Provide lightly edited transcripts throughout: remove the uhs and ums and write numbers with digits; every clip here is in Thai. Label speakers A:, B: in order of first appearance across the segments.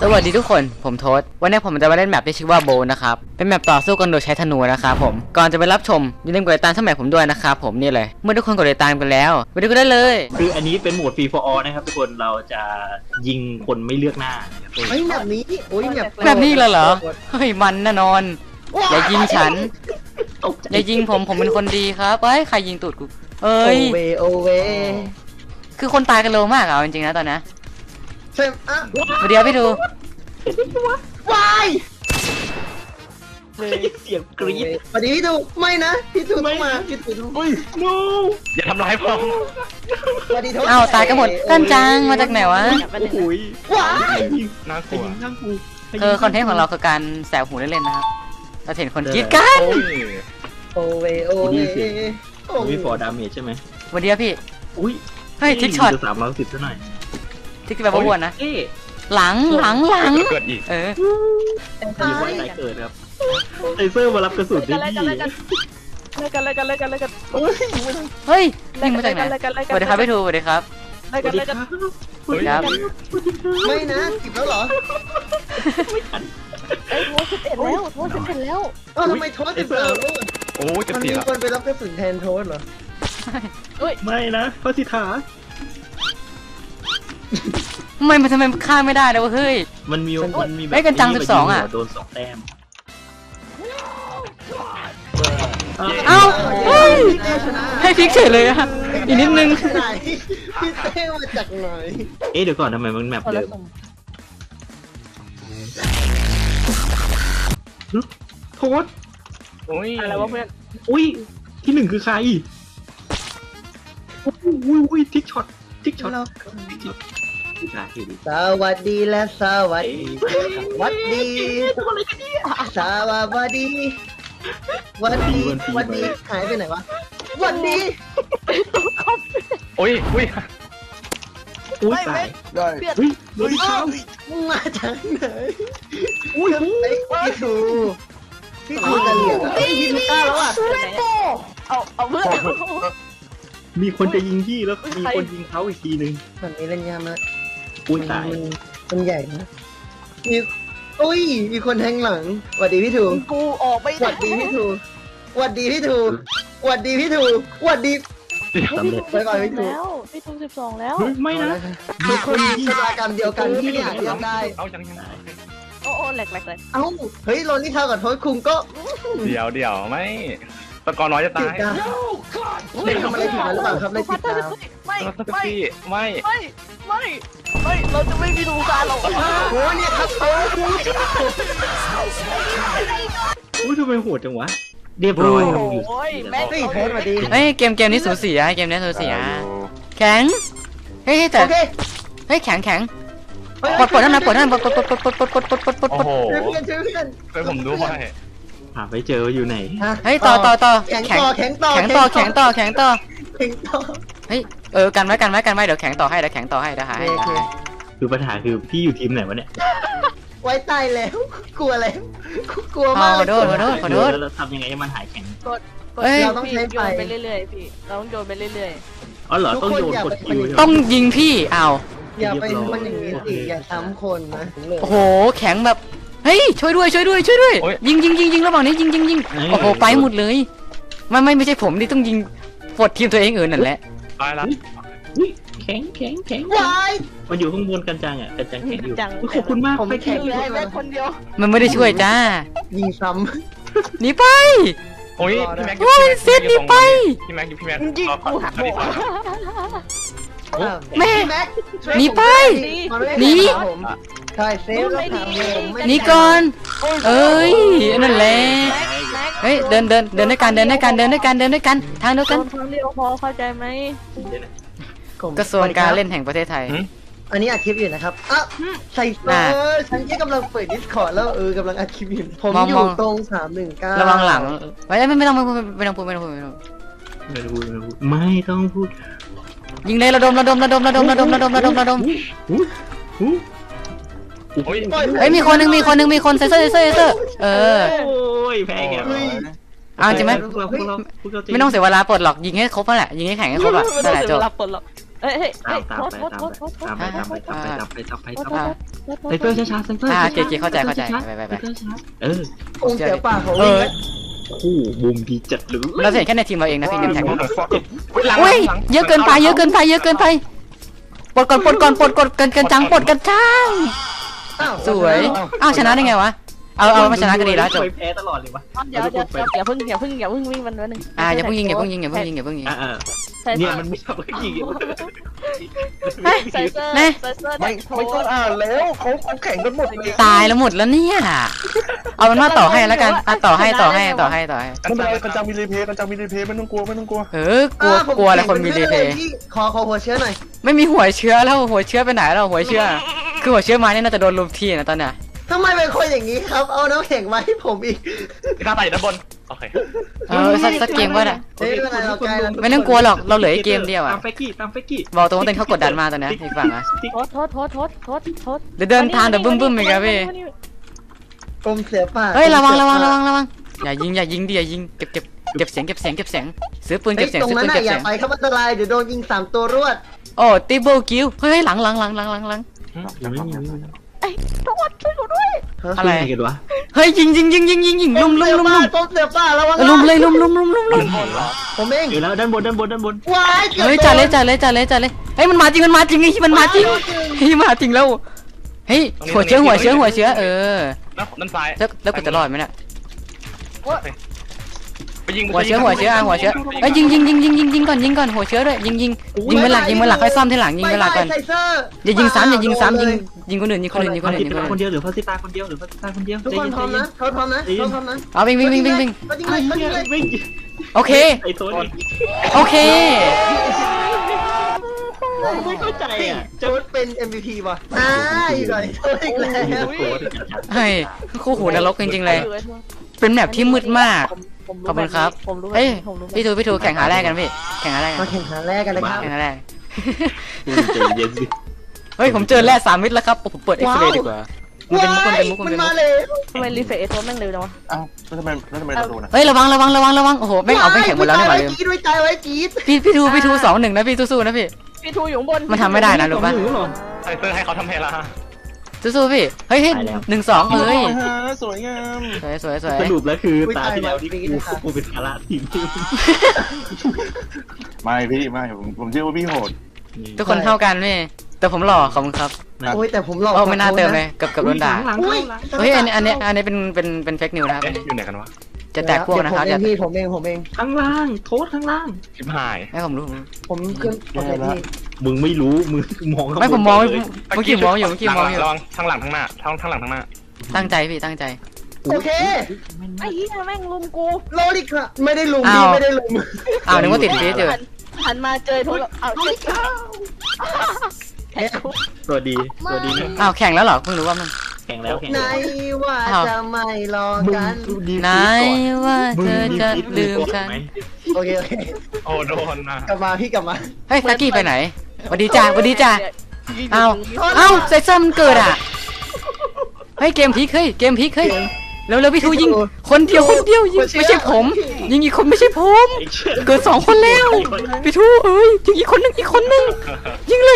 A: สวัสดีทุกคนผมโทษวันนี้ผมจะมาเล่นแมปที่ชื่อว่าโบนะครับเป็นแมปต่อสู้กันโดยใช้ธนูนะครับผมก่อนจะไปรับชมอย่าลืมกดติดตามช่องแมปผมด้วยนะครับผมนี่เลยเมื่อทุกคนกดติดตามกันแล้วไปดูกันได้เลย
B: คืออันนี้เป็นโหมดฟรีฟอร์ออนะครับทุกคนเราจะยิงคนไม่เลือกหน้า
C: เฮ้ยแบบนี้โอ้ย
A: แบบนี้เหรอเฮ้ยมันแน่นอนอย่ายิงฉันอย่ายิงผมเป็นคนดีครับเฮ้ยใครยิงตูดกูเอ้ย
C: โอเว
A: คือคนตายกันเร็วมากอ่ะจริงๆนะตอนนี้
C: เซมอ่ะ
A: เดี๋ยวพี่ดู
C: วาย
B: เสียงกรี๊ด
C: สวัสดีพี่ดูไม่นะพี่ดูต้องมาพี่ดูต้อง
B: no
D: อย่าทำร้ายผม
C: สวัสดีทุกคน
A: อ้าวตายกันหมดกันจังมาจากไหนวะ
B: โอ้ย
C: ว้าย
D: น่ากลัว
B: นั่งกู
A: คือคอนเทนต์ของเราคือการแสบหูเล่นๆนะครับเราเห็นคนกรี๊ดกัน
C: โอเว
B: มีฟอร์ดาเมจใช่ไหม
A: วันเดียวพี่
B: อุ้ย
A: เฮ้ยทิกช็อต
B: 310ซะหน่อย
A: ทิกแบบว่าวนนะ
B: เอ๊ะ
A: หลัง
D: เกิดอีก
B: มีไว้ไหนเกิดครับไอเซอร์มารับกระสุนได้ดี
A: เฮ้ยยิงมาจากไหนสวัสดีครับพี่ทูสวัสดีครับ
B: สวัสดีครับ
A: ครับ
C: ไม่นะจิบแล้วเหรอ
E: โทษเสร็จแล้ว
C: เอ้าทำไมโทษติดเสา
D: โอ้จะ
C: มัน
D: เสี
C: มี
D: ย
C: คนไปรับกระสุนแทนโทษเหรอ
B: ไม่นะพระสิทธา
A: ทำไมฆ่าไม่ได้เลยวะเฮ้ย
B: มันมีแบบ
A: เฮ้ยกันจัง12อ่ะ
B: โดน2 แต้ม
A: เอ้าเฮ้ยให้พลิกเฉยเลยอะอีกนิดนึง
C: ไหนพี่เต้มาจากไหน
B: เอ๊ะเดี๋ยวก่อนทำไมมันแมปเดิมโทษ
D: โอ้ย
E: อะไรวะเพื่อน
B: อุ้ยที่1คือใครอุ้ยทิกช็อตทิกช็อต
C: เรา
B: สวัสดี
C: สวัสดีและสวัสดีสวัสดีสวัสดีสวัสดีวันดีหายไปไหนวะวันดี
D: โอ้ยอุ้ย
B: อุ้ยตายอุ้ยโดนเขา
C: มึงมาจากไหนอุ้ยพี่ทูจะเหลียกพี่ทูกล้าแล้วอ่ะ
E: เอาเพื่อน
B: มีคนจะยิงพี่แล้วมีคนยิงเขาอีกทีนึง
C: แบบนี้เล่นยากมาก
B: อุ้ยตาย
C: มันใหญ่นะมีอุ้ยมีคนแทงหลังสวัสดีพี่ทู
E: กูออกไม่
C: สวัสดีพี่ทูสวัสดีพี่ทูสวัสดีพี่ทูสวัสดี
B: สำเร็จ
C: ไปก่อนพี่ทู
E: แล้วพี่ทู12แล้ว
B: เฮ้ยไม่นะ
C: มีคนชะตากรรมเดียวกันที่เนี่ยเรียกได้
D: เอายัง
E: โอ้แหลก
C: เอ้าเฮ้ยโรนนี่เท่ากับโทษคุงก็
D: เดี๋ยวไม่ตะกอนน้อยจะ
C: ติ
D: ตา
C: ด
D: ย
C: กันได้ทำอะไรผิดมาหรือเปล่าครับในติดตาม
E: ไม่
D: ตะกี้ไม่
E: เราจะไม่มีดูการหรอก
C: โอ้เนี่ยครับโอ้
B: อุ้ยทำไมโหดจังวะเรียบร้อยครับอยู่
E: โอ้ยแม่
C: เฮ้ยโทษสวัสดี
A: เฮ้ยเกมนี้สูสีอะเกมนี้สูสีอะแข็งเฮ้ยแต่
C: โอเค
A: เฮ้ยแข็งปลดนั่นนะปลดนั่นปลด
D: โอ้โห
C: ช่วยเพื่อนช่วยเพื่อน
D: ช่วยผมด้วย
B: หาไปเจออยู่ไหน
A: เฮ้ยต่อ
C: แข็ง
A: แข็ง
C: ต่อแข็งต่อ
A: แข็งต่อ
C: แข็งต่อ
A: เฮ้ยกันไว้เดี๋ยวแข็งต่อให้เดี๋ยวหาให้
B: คือปัญหาคือพี่อยู่ทีมไหนวะเนี่ย
C: ไว้ตายแล้วกลัวแล้วกลัว
A: ข
C: มาก
A: อโทษ
B: แล้วทำยังไงให้มันหายแข็ง
C: เราต้องใช้ไฟ
E: โยนไปเรื่อยๆพี่เราต้องโยนไปเรื่อย
B: อ๋อเหรอต้องโยนกดคิว
A: ต้องยิงพี่อ้าว
C: อย่าไปมันอย่างนี้สิอย่าซ้ำคนนะ
A: โอ้โหแข็งแบบเฮ้ยช่วยด้วยยิงระหว่างนี้ยิงโอ้โหไปหมดเลยไม่ใช่ผมที่ต้องยิงปลดทีมตัวเองนั่นแหละ
D: ตายแล้ว
B: แข็ง
C: วาย
B: มันอยู่ข้างบนกันจังอ่ะกันจังแข็งอยู่ขอบคุณมาก
C: ผมแข็ง
E: ๆได้แม่คนเดียว
A: มันไม่ได้ช่วยจ้า
C: ยิงซ้
A: หนีไป
D: โอ้ยพี่แม็ก
A: โอ้ยเซตหนีไป
D: พี่แม็ก
E: ยิงกูหักหัว
C: ำ
A: แม่
C: แม็ก
A: หนีไปหนี
C: ใช่เซฟแล้วถามผม
A: หนีก่อนเอ้ยนั่นแหละเฮ้ยเดินด้วยกันทางเดียวกัน
E: โดนครั้งเดียวพอเข้าใจไหม
A: กระทรวงการเล่นแห่งประเทศไทย
C: อันนี้อัดคลิปอยู่นะครับอ่ะใส่ฉันที่กำลังเปิด Discord แล้วกำลังอัดคลิปอยู่ผมอยู่ตรง319
A: ระวังหลังไม่ต้องพูด
B: ไม่ต้องพูดไม่ต้องพูด
A: ยิงเลยระดม
D: โอ้ย
A: เฮ้ยมีคนเซเซอร์
B: โอ้ยแพ้แก
A: เอาจริงไหมไม่ต้องเสียเวลาปลดหรอกยิงให้ครบนั่นแหละยิงให้แข่งให้ครบอ่ะนั่นแหละจบ
E: รับปลดหรอกเฮ้ยเฮ้ย
B: ตาม
E: โทษโทษโทษโทษ
B: ตามไปตามไปตามไปตามไปตามไปตามไป
A: อ่า
B: ไซเฟอร์ช้าๆไซเฟอร์
A: โอเคเข้าใจไป
B: เออ
C: คงเสียป่าของ
A: เอ
C: วิ่ง
A: อ
C: นะ
B: คู่มุมดีจัดหรือ
A: เราจะเห็นแค่ในทีมเราเองนะพี่เนมแท็ก
D: หลัง
A: อุ้ย
D: หลัง
A: เยอะเกินไปเยอะเกินไปเยอะเกินไปปลดก่อนปลดก่อนปลดก่อนกันจังปลดกันจัง
C: อ้าว
A: สวยอ้าวชนะได้ไงวะเอามาชนะกันดีแล้วจบ
B: แพ้ตลอดเลยวะ
E: เดี๋ยวอย่าเพิ่งวิ่งมันนิดนึง
A: อย่าเพิ่งยิงอย่าเพิ่งยิงอย่าเพิ่งยิงอย่าเพิ่งยิง
B: เนี่ยมันไม่ชอบยิง
E: ไซเซอร์
A: แม่
E: ไซเซอร์
D: ไม่ต้องอ่านแล้วเขาแข่งกันหมดเลย
A: ตายแล้วหมดแล้วเนี่ยเอาเป็นว่าต่อให้แล้วกันต่อให้
D: กันจังมีรีเพย์ไม่ต้องกลัว
A: กลัวอะไรคนมีรีเพย์
C: พี่ขอหัวเชื้อหน่อย
A: ไม่มีหัวเชื้อแล้วหัวเชื้อไปไหนแล้วหัวเชื้อคือหัวเชื้อมาเนี่ยน่าจะโดนลุมทีนะตอนเนี้ย
C: ทำไมเป็นคนอย่างนี้ครับ เอาน้ำแข็งมาให้ผมอีก
D: ข้าไปด้านบนโอเค
A: สักเกมก็ได้
C: เฮ้ยไม่เป็นไรเราใกล้แล้ว
A: ไม่ต้องกลัวหรอกเราเหลืออีกเกมเดียว
B: ตา
A: อ่ะ
B: มเฟกกี้ตามเฟกกี้
A: บอกตรงว่าเต้นเขากดดันมาตอนนี้อีกฝั่งอ่ะ
E: โทษ
A: เดี๋ยวเดินทางเดี๋ยวบึ้มอีกครับพี่
C: กรมเสือป่า
A: เฮ้ยระวังอย่ายิงดิอย่ายิงเก็บเสียงซื้อปืน
C: เฮ้
A: เก็
C: ย
A: บเสียง
C: ตรง
A: ซื้อ
C: นั้น
A: ปืน
C: น่ะ
A: เก็บ
C: อย่า
A: เสียง
C: ไปครับอันตรายเดี๋ยวโดนยิง3 ตัวรวด
A: โอ้ติเบิลคิวเฮ้ยหลัง
E: โทษช่วยกูด้วย
A: อะไร
B: กันวะ
A: เฮ้ยยิงลุม
C: กรมเสือป่าระวัง
A: ลุมเลยลุม
C: ผมเอง
B: อยู่แล้วด้านบน
C: ว้ายเกือบ
A: เฮ้ยจัดเลยเฮ้ยมันมาจริงไอ้มันมาจริงเฮ้ยมาจริงแล้วเฮ้ยหัวเชื้อเออ
D: ด้านซ้าย
A: แล้วกูจะรอดไหมเนี่ย
D: ไปยิง
A: หัวเชื้อเฮ้ยยิงก่อนหัวเชื้อด้วยยิงเวลาค่อยซ่อมทีหลังยิงเวลาก่อน
C: ไซเซอร์
A: อย่ายิงซ้ำยิงคนอื่น
B: คนเดียวหรือพาซิตาคนเดียว
C: ทุกคนพร้อมนะเขาพร้อมนะ
A: เอาวิ่ง
C: เขายิงเลย
B: วิ่ง
A: โอเค
B: ไอ้โซน
A: โอเค
B: ไม่เข้าใจอ่ะ
C: โจ๊ดเป็น MVP ว่ะอยู่ก่อนโจ๊ดอีกแล้ว
A: เฮ้ยคู่หูนรกจริงๆเลย เป็นแมปที่มืดมาก ขอบคุณครับ
E: ผมรู้
A: เฮ้ยพี่ทูแข่งหาแรกกันพี่แข่งหาแรกกั
C: มาน แข่งขันแรกกันเลยครับ
A: แข่งหาแรก
B: เย็นสิ
A: เฮ้ยผมเจอแร่3 มิตรแล้วครับผมเปิดเอ็กซ์เรย์ดีกว่ามันเป็นมุก
C: มันมาเลย
E: ทำไมรีเฟรชตัวแม่งเร็วจังวะ
D: อ้าวแล้วทำไมเราโดนอ่ะ
A: เฮ้ยระวังโอ้โหแม่งเอาไปแข่งหมดแล้วนี่หว่าลืม
C: ด้วยใจไว้จี๊ด
A: พี่ทู2-1นะพี่สู้ๆนะพี่
E: พี่ทูอยู่ข้างบน
A: มันทำไม่ได้นะรู้ปะ
D: ไซเซอร์ให้เขาทำให้ละ
A: สู้ๆพี่เฮ้ย1-2เอ้ย
D: สวยงาม
A: สวย
B: สรุปแล้วคือตาที่แล้วที่กูเป็นภาระทีม
D: ไม่พี่ไม่ผมเชื่อว่าพี่โหด
A: ทุกคนเท่ากันพี่แต่ผมหล่อขอบคุณครับ
C: โอ้ยแต่ผมหลอก
A: โอ้ไม่น่าเติมเลยกับโดนด่า
B: หลัง
A: เฮ้ยอันนี้เป็นเฟกนิวนะครับ
D: อยู่ไหนกันวะ
A: จะแตกพวกนะครับจะ
C: ผมเอง
B: ข้างล่างโทษข้างล่าง
D: ชิบหาย
A: ไม่ผมรู้
C: ผมขึ้นโอเคพี่
B: มึงไม่รู้มึงมอง
A: ไม่ผมมองเมื่อกี้มองอยู่
D: ระวังทั้งหลังทั้งหน้าทั้งหลังทั้งหน้า
A: ตั้งใจพี่ตั้งใจ
C: โอเค
E: ไอ้เหี้ยแม่งลุมกู
C: โลดิค่ะไม่ได้ลุมพี่ไม่ได้ลุม
A: อ้าวนึกว่าติดฟีดอยู่
E: หันมาเจอโทรเอาเจ็บแท็กกู
B: ตัวดีนะ
A: อ้าวแข่งแล้วเหรอเพิ่งรู้ว่ามัน
B: แข่งแล้ว
C: ไหนว่าจะไม่รอกัน
A: ไหนว่าเธอจะลืมฉัน
C: โอเค
D: โอ้โดนนะ
C: กลับมาพี่กลับมา
A: เฮ้ยซักกี้ไปไหนสวัสดีจ้าอ้าวไซเซอร์มันเกิดอ่ะเฮ้ยเกมพลิกเฮ้ยแล้วพี่ทูยิงคนเดียวยิงไม่ใช่ผมยิงอีกคนไม่ใช่ผมเกิด2 คนแล้วพี่ทูเอ้ยยิงอีกคนนึงยิงเลย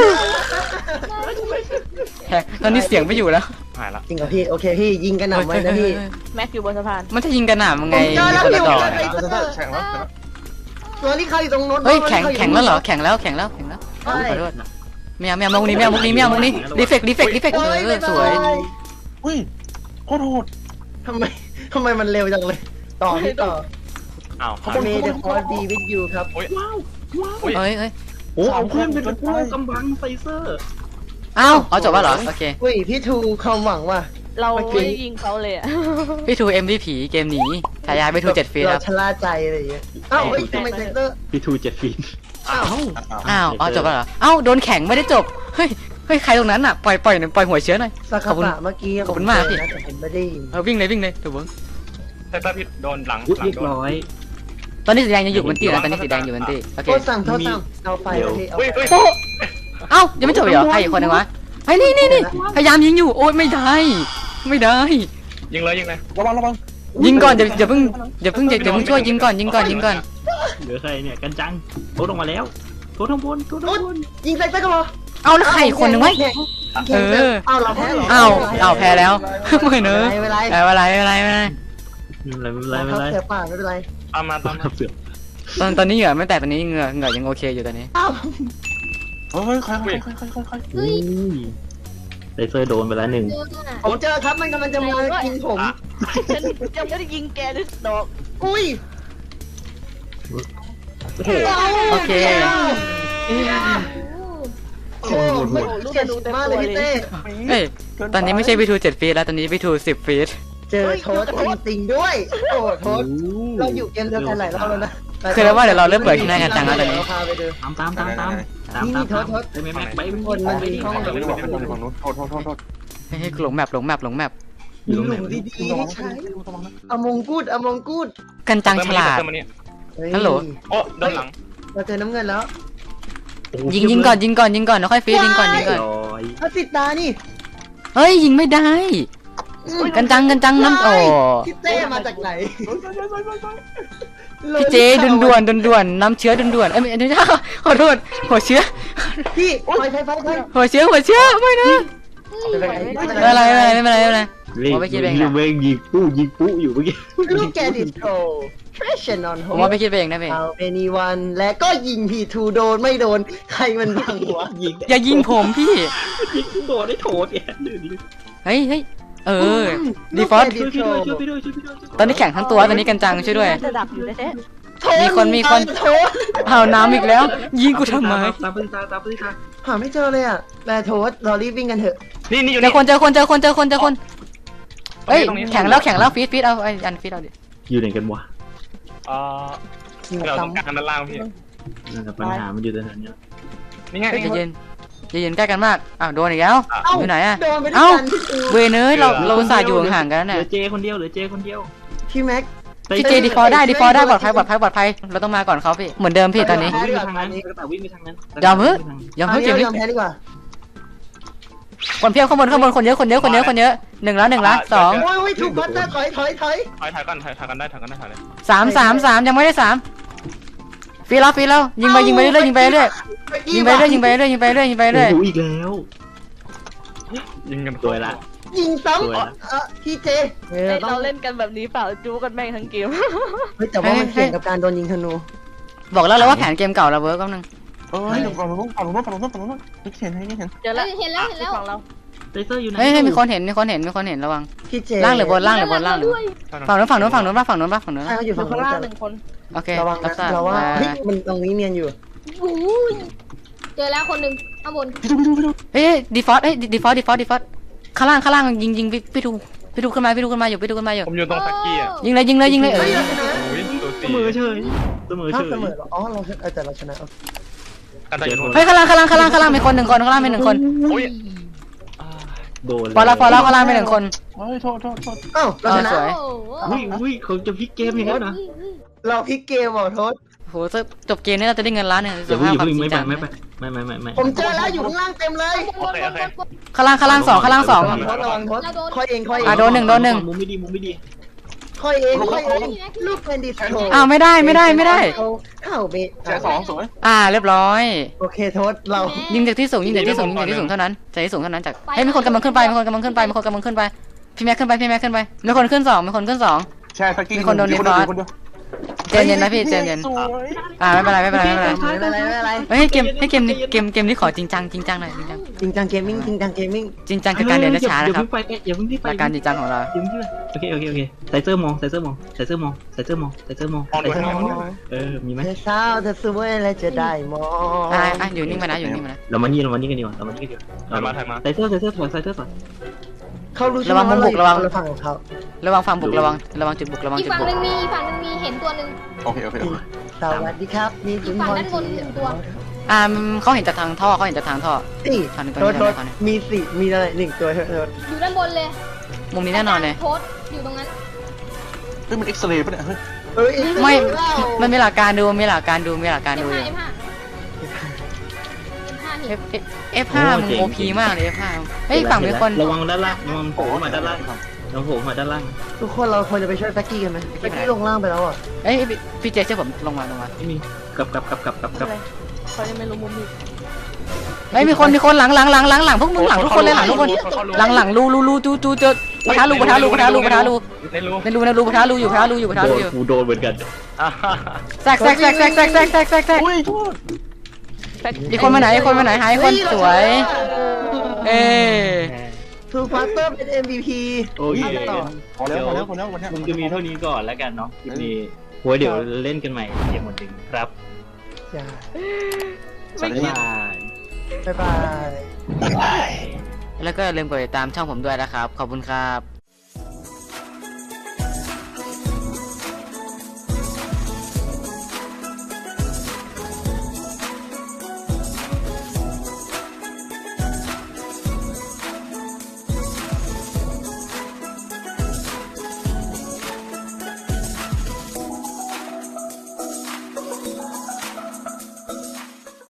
A: ตอนนี้เสียงไม่อยู่แล้ว
D: หายละ
C: จริงเหรอพี่โอเคพี่ยิงกันหน่ำไว้นะพี่
E: แม็กอยู่บนสะพาน
A: มันจะยิงกันหนามึงไง
C: ผมเจอแล้ว
A: คน
C: พี่
A: ละดอก
C: ผมเจอแล้ว
D: แข่งแล้ว
C: ตัวนี้เขาอยู่ตรงโน้น
A: เฮ้ยแข่งแล้วเหรอแข่งแล้วขอโทษไม่เอามุกนี้รีเฟกสวย
D: อุ้ยโคตรโหด
C: ทำไมมันเร็วจังเลยต่อพี่ต่อ
D: อ้าว
C: เมย์เดอะคอร์ดีวิดยูครับ
D: อุ้ย
A: เฮ้ย
B: โอ้เอาเพื่อนเป็นผู้กำบังไซเซอร์
A: อ้าวเอาจบแล้วเหรอโอเค
C: อุ้ยพี่ทูความหวังว่ะ
E: เราไม่ได้ยิงเขาเลยอะ
A: พี่ทู MVP เกมนี้ฉายาพี่ทู7 ฟีค
C: เรา
A: รับ
C: ชะล่าใจอะไรอย่างเงี้ยอ้าวเฮ้ยทำไมเซนเตอร์
B: พี่ทู7 ฟีน
C: อ้าว
A: อ้าวเอาจบแล้วเหรออ้าวโดนแข่งไม่ได้จบเฮ้ยใครตรงนั้นอ่ะปล่อยหัวเชื้อหน่อย
C: สัก
A: ขอบคุณ
C: ขะเมื่อกี้
A: ขอบคุณมากพี่
C: แต่ผมไม่ได้ยิน
A: วิ่งเลยถูกเบิ้ง
D: ไซเซอร์ผิดโดนหลัง
B: เรียบร้อย
A: ตอนนี้สีแดงยังอยู่บนตีนะตอนนี้สีแดงอยู่บนตีโอเค
C: โทษสั่งเอาไฟมาพี่เอา
D: อุ้ย
A: โป๊ะเอ้ายังไม่จบเหรอใครอีกคนนึงวะไอ้นี่พยายามยิงอยู่โอ๊ยไม่ได้
D: ยิงเลย
B: ระวัง
A: ยิงก่อนอย่าเพิ่งช่วยยิงก่อน
B: เหลือใครเนี่ยกันจังโทษลงมาแล้วโทษทั้งบนโทษทั้งบน
C: ยิงใส่ตะกร้อ
A: เอาแล้วใครอีกคนหนึ่งวะ เออ
C: เอาเราแพ้เหรอ
A: เอาแพ้แล้วไม่เนอะ
C: ไม่เป็นไร
A: ไม่เป็นไรไม่เป็นไรไม่เป็นไร
B: ไม่เป็นไรไม่เป็นไร
C: เสือป่าไม่เป็นไร
D: ตามมาตามมา
B: เสือก
A: ตอนนี้เหงื่อไม่แตกตอนนี้เหงื่อยังโอเคอยู่ตอนนี้
C: อ้าว
D: เฮ้ยใคร
B: อุ้ยไซเซอร์โดนไปแล้วหนึ่ง
C: ผมเจอครับมันกำลังจะมากินผม
E: ฉันยังไม่ได้ยิงแกด้วยดอก
C: อุ้ย
A: โอเค
C: โอ้โหไม่เจ็บมากเลยพี่เต้
A: เฮ้ยตอนนี้ไม่ใช่วิทู7 ฟีตแล้วตอนนี้วิทู10 ฟีต
C: เจอโทษจริงๆด้วย โอ้โทษเราอยู่เกมเดียวกันหลายรอบแล้วนะ
A: คือแล้วว่าเดี๋ยวเราเริ่มเปิดที่หน้ากันจังแล้วตอนนี้
C: เราพาไปดู
B: ตามไปแม็กไป
C: คนมันมีห้อง
D: ฝั่งนู้นโทษ
A: ให้หลงแมป
C: มีหลุมดีๆให้ใช้อมงกูดอมงกูด
A: กันจังฉลาด ฮัลโหล
D: โอ้โดนหลัง
C: เราเจอน้ำเงินแล้ว
A: ยิงก่อนแล้วค่อยฟีดยิงก่อน
B: ร้อย
C: พระสิตานี่
A: เฮ้ยยิงไม่ได้ กันจังน้ำโอ้
C: พี่เต้มาจากไหน
A: พี่เจด่วนน้ำเชื้อด่วนเอ้ยไม่ใช่ขอโทษหัวเชื้อ
C: พี่ไฟ
A: หัวเชื้อไม่นะไม่เป็นไร
B: เว้งยิงปุ๊อยู่เมื่อกี้
C: ลูกแกดิสโตรเทรชั่นนอนโฮ
A: ผมว่าไปคิดไปเองนะเพ่
C: เอาเอนีวันและก็ยิงพีทูโดนไม่โดนใครมันบังวะ
B: ยิง
A: อย่ายิงผมพี่
B: โดนได้โถดแก
A: เฮ้ยดีฟอส
B: ช่วยพี่ด้วย
A: ตอนนี้แข่งทั้งตัวตอนนี้กันจังช่วยด้วย
E: จะดับอยู่แท้
A: มีคน
C: โทษ
A: เอาน้ำอีกแล้ว ยิงกูทำไม
B: ตามพื้นตา
C: หาไม่เจอเลยอ่ะแบร์โทษเรารีบวิ่งกันเถอะ
D: นี่อยู่
A: เจ
D: นี่
A: อคนเฮ้ยแข่งแล้วฟีดเอาไอ้อันฟีดเอาดิ
B: อยู่ไหนกันวะ
D: เราต้องการด้านล่างพี่
B: ปัญหามันอยู่ตรงนั้นเนี่ย
D: นี่ไง
A: ใจเย็นใกล้กันมากอ้าวโดนอีกแล้วอยู่ไหนอะ
C: โดนไปด้วยกันพี่ตู
A: เวเนยเราอุตส่าห์อยู่ห่างๆกัน
B: เหลื
A: น่ะ
B: อเจคนเดียว
C: พี่แม็ก
A: พี่เจดีฟอได้ปลอดภัยเราต้องมาก่อนเขาพี่เหมือนเดิมพี่ตอนนี้
B: วิ่งไปทางนั้นแต่วิ่งไปทางนั้น
A: ยอมเก็บ
C: ยอมแพ้ดีกว่า
A: คนเพียบข้างบนคนเยอะ1แล้ว2
C: โอ้ยถูกบัตเตอร์ถอย
D: ถอยกันได้เลย
A: 3ยังไม่ได้3ฟีแล้วยิงไปเรื่อยยิงไปเรื่อย
B: โอ้โหอีกแล้วยิงกันตัวละ
C: ยิงซ้ำพี่เจ
E: เราเล่นกันแบบนี้เปล่าจู้กันแม่งทั้งเกม
C: เฮ้ยแต่ว่ามันเสี่ยงกับการโดนยิงธนู
A: บอกแล้วว่าแผนเกมเก่าเราเวิร์กแป๊บนึง
D: ฝั่งนู้นไม่เห็นให้เห็น
E: เจอแล้ว
F: เห็นแล้ว
E: ฝั่งเรา
B: ไซเซอร์อยู่ไหน
A: เฮ้ยมีคนเห็นระวัง
C: พี่เจ
A: ล่างหรือบนล่างฝั่งนู้น
E: ใช่เขาอยู่
C: ฝั่
E: ข้าง ง
C: นู้
E: ล่าง
C: น
E: หนึ่งคน
A: โอเค
C: ระวัง
A: รับทราบ
C: เราว่าเฮ้ยมันตรงนี้เนียนอยู่
F: เจอแล้วคนหนึ่งข้างบน
A: เฮ้ยดีฟอสข้างล่างยิงพี่ดูขึ้นมาอยู่
D: ผมอยู่ตรงตะกี้อ่ะ
A: ยิงเลย
C: เฮ้ยเราชนะ
D: โอ้ยตัว
B: เส
D: สี่
B: มอเฉย
C: ถ้าเสมออ๋อเราแต่เราชนะ
D: กันได้อยู่
A: เฮ้ยข้างล่างมีคน1คนข้างล่างมี1คน
D: โอ้ย
B: โดน
A: พอแล้วข้างล่างมี1คน
D: โอ้ยโทษ
C: อ้าวเราชนะ
A: สวย
B: อุ้ยเขาจะพลิกเกมอย่างนั้นนะ
C: เราพลิกเกมโทษ
A: โหจบเกมนี้เราจะได้เงินล้านเนี่ย
B: อย่าเพิ่งไม่ไป
C: ผมเจอแล้วอยู่ข้างล่างเต็มเลย
A: ข้างล่าง2
C: โทษระวังโทษค่อยเอง
A: โดนหนึ่ง
B: มุมไม่ดี
C: ค่อยเองลูกเป็นดิสโท
A: อ้าวไม่ได้
C: เข้าเบส
D: แชร์สองสวย
A: เรียบร้อย
C: โอเคโทษเรา
A: ยิงจากที่สูงเท่านั้นจากที่สูงเท่านั้นจากเฮ้ยมีคนกำลังขึ้นไปพี่แม็กขึ้นไปมีคนขึ้น2
D: แชร์สกิล
A: เจนเย็นนะพี่เจนเย็นไม่เป็นไรเฮ้ยเกมนี้ขอจริงจังหน่อยจริงจัง
C: จริงจังเกมมิ่ง
A: จริงจังคือการเดินช้านะครับ
B: อย่าเพิ่งรีบไป
A: รายการจริงจังของเรา
B: โอเคไซเซอร์มองมีไหม
C: เธอเศร้าเธอสวยแล้วจะได้มอง
A: อยู่นิ่งมานะ
B: เรามานี่กันดีกว่าไซเซอร์ถอย
C: เขารู้ใช่ไหมว่าเราฝั่งของเขา
A: ระวังฝั่งบุกระวังจุดบุก
F: อีกฝั่งหนึ่งมีเห็นตัวหนึ่ง
D: โอเค
C: สวัสดีครับนี่ถึง
F: ฝั่ง
C: พร
F: ด้านบนหนึ่งตัว
A: เขาเห็นจากทางท่อ
C: สี่โทษมีสี่มีอะไรหนึ่งตัวโทษ
F: อยู่ด้านบนเลย
A: มุมนี้แน่นอนเลย
F: โพสอยู่ตรงนั้น
D: เฮ้ยมันเอ็กซเรย์ป่ะเนี่ยเฮ้ย
C: เฮ้ย
A: ไม่มันมีหลักการดู
F: F5
A: F5 มึงโอพีมากเลย F5 เฮ้ยฝั่งมีคน
B: ระวังด้านล่างระวังโผล่มาด้านล่าง
C: ทุกคนเราควรจะไปช่วยแฟกกี้กันไหมแฟกกี้ลงล่างไปแล้วอ่ะ
A: เฮ้ยพี่เจช่วยผมลงมา
B: ไม่มีกลับ
E: เขายังไม่รู้มุมนี้
A: ไม่มีคนหลังพวกมึงหลังทุกคนเลยหลังทุกคนหลังรูจูเจอปะทะรูในรูปะทะรูอยู่
B: กูโดนเหมือนกัน
A: แซกอีกคนมาไหนหายคนสวยเอ
C: ทูฟาสเตอร์เป็น MVP
B: โอเค
C: ต่อ
D: พอแล้ววันนี้
B: มึงจะมีเท่านี้ก่อนแล้วกันเนาะคลิปนี้โว้ยเดี๋ยวเล่นกันใหม่เกมหมดจริงครับ
C: จ้า
B: บ๊ายบาย
C: บ๊ายบาย
A: แล้วก็อย่าลืมกดติดตามช่องผมด้วยนะครับขอบคุณครับ